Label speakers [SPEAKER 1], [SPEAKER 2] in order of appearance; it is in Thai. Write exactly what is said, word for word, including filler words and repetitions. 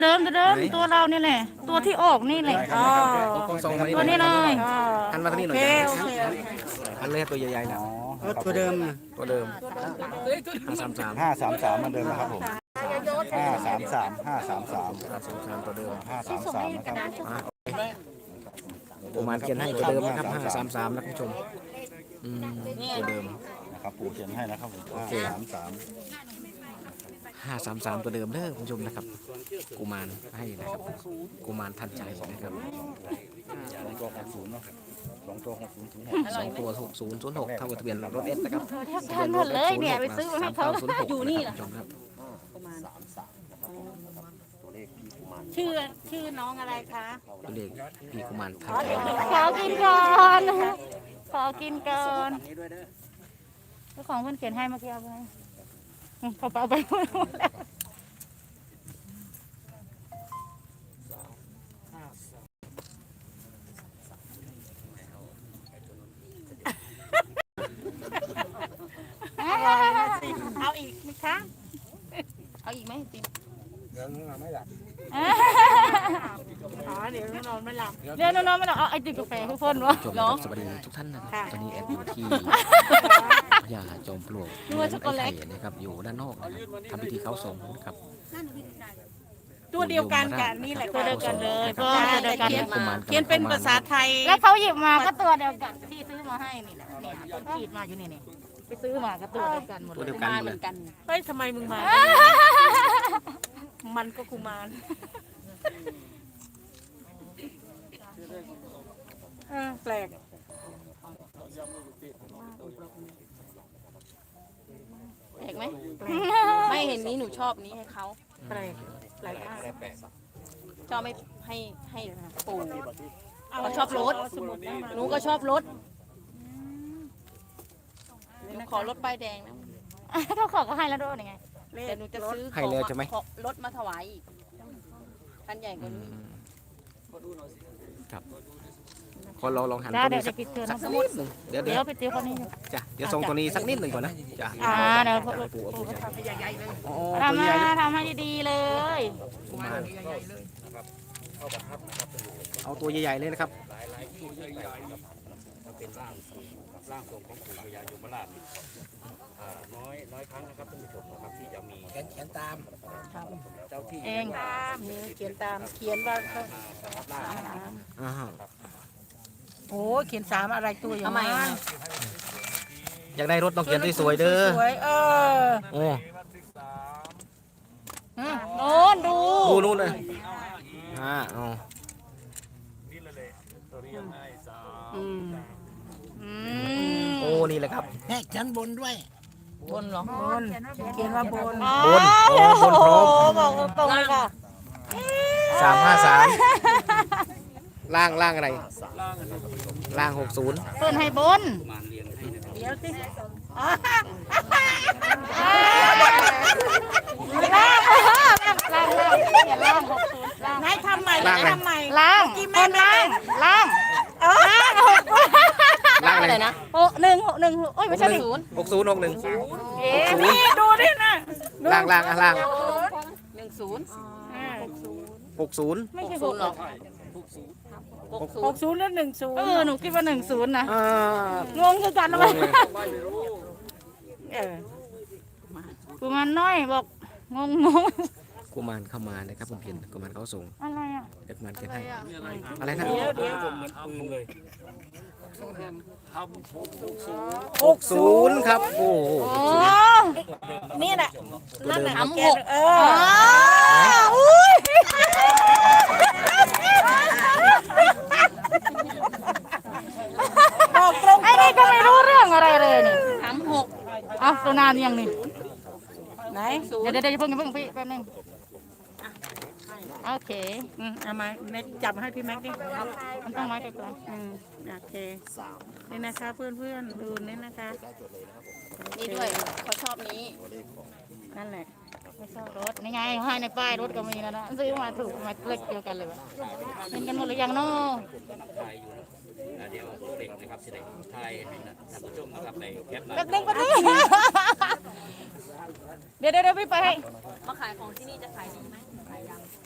[SPEAKER 1] เดิมเดิมตัวเรานี่แหละตัวที่ออกนี่แหละอ๋อตัวนี้เลย
[SPEAKER 2] หันมาทางนี้หน่อยหันเลยตัวใหญ่ๆนะ
[SPEAKER 3] ตัวเดิม
[SPEAKER 2] ตัวเดิมห้าสามสาม
[SPEAKER 3] ห้าสามสามมันเดิมนะครับผมห้าสามสามห้าสามสาม
[SPEAKER 2] ห้าสามสามตัวเดิม
[SPEAKER 3] ห้าสามสามนะครับ
[SPEAKER 2] ประมาณเขียนให้ตัวเดิมนะครับห้าสามสามนะคุณผู้ชมตัวเดิม
[SPEAKER 3] นะครับปู่เขียนให้นะครับผมห้าสามสาม
[SPEAKER 2] ห้าสามสามตัวเดิมเด้อคุณผู้ชมนะครับกุมารให้นะครับกุมารทันใจนะครับ
[SPEAKER 3] สองตัวหกศูนย์เนาะสองตัวหกศูนย์ศูนย์หก
[SPEAKER 2] สองตัวหกศูนย์ศูนย์หกเท่ากับทะเบียนรถเอสนะครับ
[SPEAKER 1] ทะเบียนรถเลยเนี่ยไปซื้อมาให้เขา
[SPEAKER 2] อยู่นี่แหละคุณผู้ชมครับ
[SPEAKER 1] ชื่อชื่อน้องอะไรคะ
[SPEAKER 2] ตัวเลขพี่กุมารทันใจ
[SPEAKER 1] ขอกินก่อนขอกินก่อนเจ้าของเพื่อนเขียนให้เมื่อกี้เอาไปเขาเอาไปหมดแล้วเอาอีกไหมคะเอาอีกไหมจริง
[SPEAKER 3] เดี๋ยวนอนไม่หลับ
[SPEAKER 1] อ๋อเดี๋ยวนอนไม่หลับเดี๋ยวนอนไม่หลับเอาไอติมกาแฟทุกคนวะ
[SPEAKER 2] เนาะสวัสดีทุกท่านนะครับตอนนี้แอดอยู่ที่พญาจอมปลวกไอ้ไข่นะครับอยู่ด้านนอกทำพิธีเข้าทรงนะครับ
[SPEAKER 1] ตัวเดียวกันกันนี่แหละตัวเดียวกันเลยเพราะตัวเดียวกันเขียนเป็นภาษาไทยแล้วเขาหยิบมาก็ตัวเดียวกันที่ซื้อมาให้นี่แหละเนี่ยขีดมาอยู่นี่นี่ไปซื้อมาก็ตัวเดียวกันหมด
[SPEAKER 2] ตัวเดียวกันเหมือนกัน
[SPEAKER 1] เฮ้ยทำไมมึงมามันก็กุมารแปลกแปลกไหม
[SPEAKER 4] ไม่เห็นนี้หนูชอบนี้ให้เขา
[SPEAKER 1] แปลกแปลกมาก
[SPEAKER 4] ชอบไม่ให้ให้ปู่เขาชอบรถหนูก็ชอบรถหนูขอรถป้ายแดงนะ
[SPEAKER 1] เขาขอก็ให้แล้วด้วยยังไง
[SPEAKER 4] แต่หนูจะซื้อ
[SPEAKER 2] ให้เลยใช่ไหม
[SPEAKER 4] รถมาถวายอีกคันใหญ่กว่านี้
[SPEAKER 2] ครับคนเราลองหัน
[SPEAKER 1] ตัว
[SPEAKER 2] นี้
[SPEAKER 1] สักนิดหนึ่ง
[SPEAKER 2] เดี๋ยว
[SPEAKER 1] เดี๋ยวไปเจอคนนี้
[SPEAKER 2] จ้ะเดี๋ยวส่งตัวนี้สักนิดหนึ่งก่อนนะจ้ะ
[SPEAKER 1] อ่าเดี๋ยวปู่ทำให้ใหญ่ๆเลยทำมาทำให้ดีๆเลย
[SPEAKER 2] เอาตัวใหญ่ๆเลยนะครับ
[SPEAKER 3] เป็นร่างร่างทรงของปู่พญายมราชน้อยน้อยครั้งนะครับท่านผู้ชมนะครับที่จะมี
[SPEAKER 2] เขียนตาม
[SPEAKER 3] เจ้าที่
[SPEAKER 1] เองเขียนตามเขียนว่าโอ้เขียนสามอะไรตัวอย่างไร
[SPEAKER 2] อยากได้รถต้องเขียนสวยๆเด้อ
[SPEAKER 1] สวยเออ
[SPEAKER 2] โอ้
[SPEAKER 1] โน่นดู
[SPEAKER 2] ดูนู่นเลยอ่าอ๋อโอ้นี่แหละครับ
[SPEAKER 3] แค่ชั้นบนด้วย
[SPEAKER 1] บนหรอบนเขียนว่าบน
[SPEAKER 2] บนโอ้บนพร้อม
[SPEAKER 1] บอกตรงเลยค่ะ
[SPEAKER 2] สามห้าสามล่างล่างอะไรล่างหกศูนย์
[SPEAKER 1] เปิดให้บนเดี๋ยวสิล่างล่างล่างล่างหกศูนย์ล่างให้ทำใหม่ให้ทำใหม่ล่างคนล่างล่างล่างหก
[SPEAKER 2] ล่างอะไรนะ
[SPEAKER 1] หกหนึ่งหกหนึ่งโอ้ยไม่ใช่ศูนย์
[SPEAKER 2] หกศูนย์หกหนึ่ง
[SPEAKER 1] เอ๊ะนี่ดูดินะ
[SPEAKER 2] ล่างล่างอ่ะล่าง
[SPEAKER 4] หนึ่งศูนย์
[SPEAKER 2] หกศูนย์
[SPEAKER 1] ไม่ใช่หกหรอก
[SPEAKER 4] หกศูนย์แล้วหนึ่งศูนย์
[SPEAKER 1] เออหนูคิดว่าหนึ่งศูนย์นะงงคือกันแล้วไหมเออกุมารน้อยบอกงงงง
[SPEAKER 2] กุมารเข้ามานะครับผมเห็นกุมารเขาส่ง
[SPEAKER 1] อะไรอ่ะ
[SPEAKER 2] เด็กมันเก็บให้อะไรนะ
[SPEAKER 1] เดี๋ยวเดี๋ยว
[SPEAKER 2] หกศูนย์ครับโอ้
[SPEAKER 1] นี่แหละ
[SPEAKER 4] นั่นแหละทำหก
[SPEAKER 1] เอออุ้ยบอกตรงไอ้นี่ก็ไม่รู้เรื่องอะไรเลยนี่
[SPEAKER 4] ทำหก
[SPEAKER 1] อ้าวตัวนานยังนี่ไหนเดี๋ยวเดี๋ยวเพิ่งเพิ่งพี่แป๊บนึงโอเคอืมเอามาแม็กจับให้พี่แม็กดิมันต้องไม้ไปก่อนอืมโอเคนี่นะคะเพื่อนเพื่อนดูนี่นะคะ
[SPEAKER 4] นี่ด้วยเขาชอบนี้
[SPEAKER 1] นั่นแหละไม่ชอบรถนี่ไงให้ในป้ายรถก็มีแล้วนะซื้อมาถูกมาเล็กเดียวกันเลยวะเห็นกันหมดหรือยังเนาะเดี๋ยวเด็กนะครับสิเด็กไทยท่านผู้ชมนะครับในแคปเด็กๆก็ได้เดี๋ยวเดี๋ยวพี่ไปให้
[SPEAKER 4] มาขายของที่นี่จะขายดีไหมขายยัง